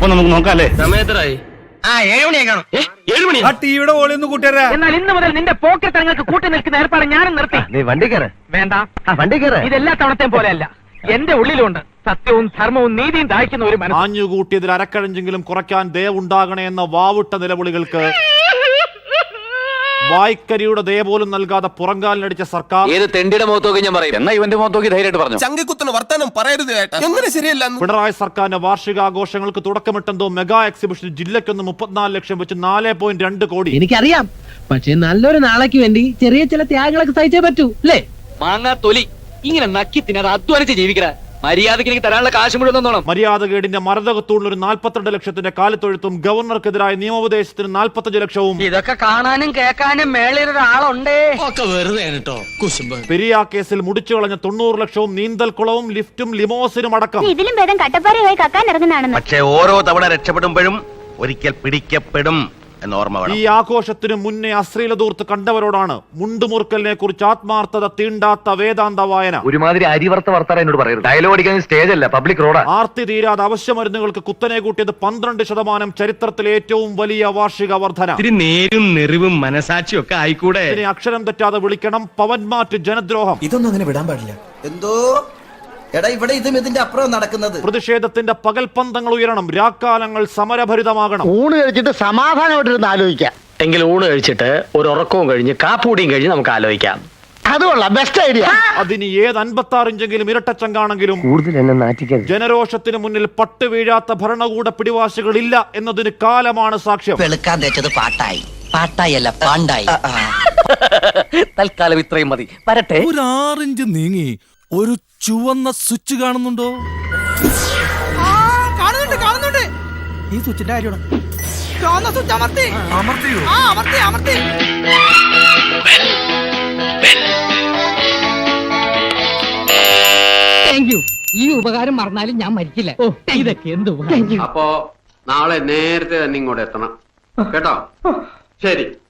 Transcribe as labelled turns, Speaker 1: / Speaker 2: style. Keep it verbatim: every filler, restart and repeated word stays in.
Speaker 1: അപ്പൊ നമുക്ക് നോക്കാം അല്ലേ?
Speaker 2: സമയത്തരായി
Speaker 3: ആ ഏഴ് മണിയായി കാണും.
Speaker 2: ഏഴ് മണി.
Speaker 1: ആ ടിവിയുടെ ഓളി ഒന്ന് കൂട്ടിയരാ.
Speaker 4: എന്നാൽ ഇന്ന് മുതൽ നിന്റെ പോക്കറ്റങ്ങൾക്ക് കൂട്ടി നിൽക്കുന്ന ഏർപ്പാട് ഞാനും നിർത്തി.
Speaker 3: നീ വണ്ടി കയറ്.
Speaker 4: വേണ്ട,
Speaker 3: വണ്ടി കയറ്.
Speaker 4: ഇതെല്ലാ തവണത്തെയും പോലെയല്ല. എന്റെ ഉള്ളിലുണ്ട് സത്യവും ധർമ്മവും നീതിയും ദാഹിക്കുന്ന ഒരു മനസ്സ്.
Speaker 5: ആഞ്ഞുകൂട്ടിയതിൽ അരക്കഴഞ്ചെങ്കിലും കുറയ്ക്കാൻ ദയവുണ്ടാകണേ എന്ന വാവുട്ട നിലവിളികൾക്ക് വായ്ക്കരിയുടെ ദയ പോലും നൽകാതെ പുറങ്കാലിനടിച്ച സർക്കാർ
Speaker 6: ഏത് തെണ്ടിയുടെ മുഖത്തോക്കി ഞാൻ പറയും. എന്നാ ഇവന്റെ മുഖത്തോക്കി ധൈര്യമായിട്ട് പറഞ്ഞു.
Speaker 2: ചങ്കിക്കുത്തുന്ന വർത്താനം പറയരുത് ഏട്ടാ. എങ്ങനെ ശരിയല്ല.
Speaker 5: പിണറായി സർക്കാരിന്റെ വാർഷികാഘോഷങ്ങൾക്ക് തുടക്കമിട്ടെന്തോ മെഗാ എക്സിബിഷൻ ജില്ലയ്ക്കൊന്ന് മുപ്പത്തിനാല് ലക്ഷം വെച്ച് നാല് പോയിന്റ് രണ്ട് കോടി.
Speaker 7: എനിക്കറിയാം, പക്ഷെ നല്ലൊരു നാളേക്ക് വേണ്ടി ചെറിയ ചില ത്യാഗങ്ങളൊക്കെ സഹിച്ചേ പറ്റൂ അല്ലേ?
Speaker 6: മാങ്ങാ തൊലി ഇങ്ങനെ നക്കി തിന്നത് അധ്വാനിച്ച് ജീവിക്കണ മര്യാദക്ക് എനിക്ക് തരാനുള്ള കാശ് മുഴുവൻ തന്നോണം.
Speaker 5: മര്യാദകേടിന്റെ മരതകത്തൂണിൽ ഒരു നാൽപ്പത്തിരണ്ട് ലക്ഷത്തിന്റെ കാലിത്തൊഴുത്തും ഗവർണർക്കെതിരായ നിയമോപദേശത്തിന് നാൽപ്പത്തഞ്ച് ലക്ഷവും
Speaker 4: ഇതൊക്കെ കാണാനും കേൾക്കാനും മേളിലൊരാളുണ്ടേ.
Speaker 5: പെരിയ കേസിൽ മുടിച്ചു കളഞ്ഞ തൊണ്ണൂറ് ലക്ഷവും നീന്തൽക്കുളവും ലിഫ്റ്റും ലിമോസിനും അടക്കം.
Speaker 8: ഇതിലും ഭേദം കട്ടപ്പാറയായി കക്കാൻ ഇറങ്ങുന്നതാണെന്ന്.
Speaker 3: പക്ഷെ ഓരോ തവണ രക്ഷപ്പെടുമ്പോഴും ഒരിക്കൽ പിടിക്കപ്പെടും എന്നോർമ്മ വേണം.
Speaker 5: ഈ ആഘോഷത്തിന് മുന്നേ അശ്ലീലതൂർത്ത് കണ്ടവരോടാണ് മുണ്ടുമുറുക്കലിനെ കുറിച്ച് ആത്മാർത്ഥത തീണ്ടാത്ത വേദാന്ത വായന.
Speaker 3: ഒരുമാതിരി അരിവർത്ത വർത്താനം എന്നോട് പറയരുത്. ഡയലോഗ് അടിക്കാൻ സ്റ്റേജ് അല്ല, പബ്ലിക് റോഡാ.
Speaker 5: ആർത്തി തീരാതെ അവശ്യമരുന്നുകൾക്ക് കുത്തനെ കൂട്ടിയത് പന്ത്രണ്ട് ശതമാനം ചരിത്രത്തിലെ ഏറ്റവും വലിയ വാർഷിക വർധന.
Speaker 2: ഇത്തിരി നേരും നെറിവും മനസാക്ഷിയും ഒക്കെ ആയിക്കൂടെ.
Speaker 5: ഇതിനെ അക്ഷരം തെറ്റാതെ വിളിക്കണം പവൻമാറ്റ് ജനദ്രോഹം.
Speaker 9: ഇതൊന്നും അങ്ങനെ വിടാൻ പാടില്ല. എന്തോ എടാ ഇവിടെ ഇതും ഇതിന്റെ അപ്പുറം നടക്കുന്നത്.
Speaker 5: പ്രതിഷേധത്തിന്റെ പകൽപന്തങ്ങൾ ഉയരണം, രാക്കാലങ്ങൾ സമരഭരിതമാകണം.
Speaker 7: ഊണ് കഴിച്ചിട്ട് സമാധാനമായിട്ടിരുന്ന് ആലോചിക്കാം.
Speaker 6: എങ്കിൽ ഊണ് കഴിച്ചിട്ട് ഒരു ഉറക്കവും കഴിഞ്ഞ് കാപ്പൂടിയും കഴിഞ്ഞ് നമുക്ക് ആലോചിക്കാം.
Speaker 7: അതുകൊള്ളാം, ബെസ്റ്റ് ഐഡിയ.
Speaker 5: അതിന് ഏത് അൻപത്തി ആറ് ഇഞ്ചെങ്കിലും ഇരട്ടച്ചങ്കാണെങ്കിലും
Speaker 3: കൂടുതൽ എന്നെ നാറ്റിക്കരുത്.
Speaker 5: ജനരോഷത്തിന് മുന്നിൽ പട്ട് വീഴാത്ത ഭരണകൂട പിടിവാശികളില്ല എന്നതിന് കാലമാണ് സാക്ഷ്യം.
Speaker 9: വെളുക്കാൻ തേച്ചത് പാട്ടായി, പാട്ടായി അല്ല പാണ്ടായി.
Speaker 6: തൽക്കാലം ഇത്രയും മതി. വരട്ടെ.
Speaker 1: ഒരു ആറിഞ്ച് നീങ്ങി ഒരു ചുവന്ന സ്വിച്ച് കാണുന്നുണ്ടോ?
Speaker 4: കാണുന്നുണ്ട് കാണുന്നുണ്ട്.
Speaker 9: ഈ സ്വിച്ചിന്റെ കാര്യമാണ്.
Speaker 4: ചുവന്ന സ്വിച്ച് അമർത്തി.
Speaker 1: അമർത്തിയോ?
Speaker 4: ആ അമർത്തി അമർത്തി.
Speaker 7: Thank you. ഈ ഉപകാരം മറന്നാലും ഞാൻ മരിക്കില്ല. ഓ, ഇതൊക്കെ എന്ത്
Speaker 6: അപ്പോ നാളെ നേരത്തെ തന്നെ ഇങ്ങോട്ട് എത്തണം കേട്ടോ. ശരി.